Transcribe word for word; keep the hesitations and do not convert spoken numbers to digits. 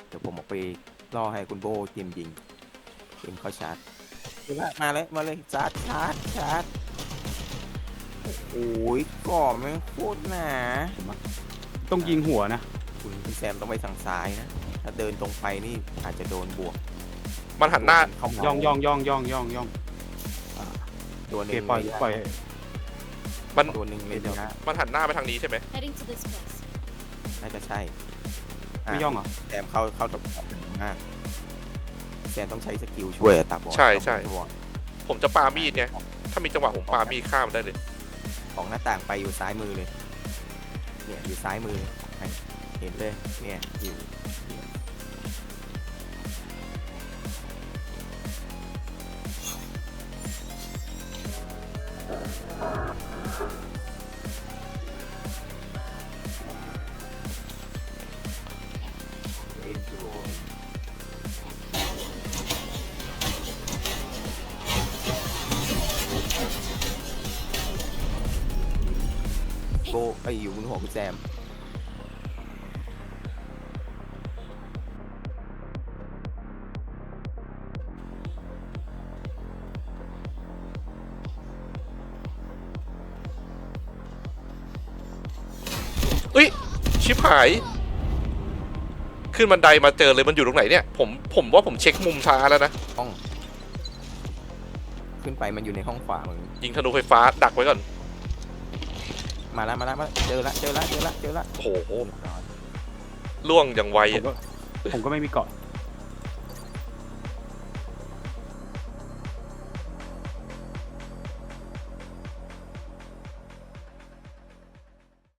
เดี๋ยวผมออกไปล่อให้คุณโบเตรียมยิงเตรียมเข้าชาร์จมาเลยมาเลยชาร์จชาร์จชาร์จโอ้ยก่อแม่งโคตรหนาต้องยิงหัวนะคุณพี่แซมต้องไปทางซ้ายนะถ้าเดินตรงไปนี่อาจจะโดนบวกมันหันหน้าเข้ามาย่องย่องย่องย่องย่องย่องตัวโอหเคนึ่งปล่อยระะปล่อยมันตัวหนึ่งเลยนะมันหันหน้าไปทางนี้ใช่ไหม Heading to this place. น่าจะใช่ไม่ย่องเหรอแซมเข้าเข้าตับมากแซมต้องใช้สกิลช่วยอะตับบอลใช่ใช่ตับบอลผมจะปามีดไงถ้ามีจังหวะผมปามีดข้ามได้เลยของหน้าต่างไปอยู่ซ้ายมือเลย เนี่ยอยู่ซ้ายมือเห็นเลยเนี่ยอยู่โบไออยู่บนหัวคุณแซมเอ้ยชิบหาย ขึ้นบันไดมาเจอเลยมันอยู่ตรงไหนเนี่ยผมผมว่าผมเช็คมุมช้าแล้วนะห้อง ขึ้นไปมันอยู่ในห้องขวามึงยิงธนูไฟฟ้าดักไว้ก่อนมาแล้วมาแล้วมาเจอละเจอละเจอละเจอละโอ้โหล่วงอย่างไวผมอะก็ผมก็ไม่มีเกาะ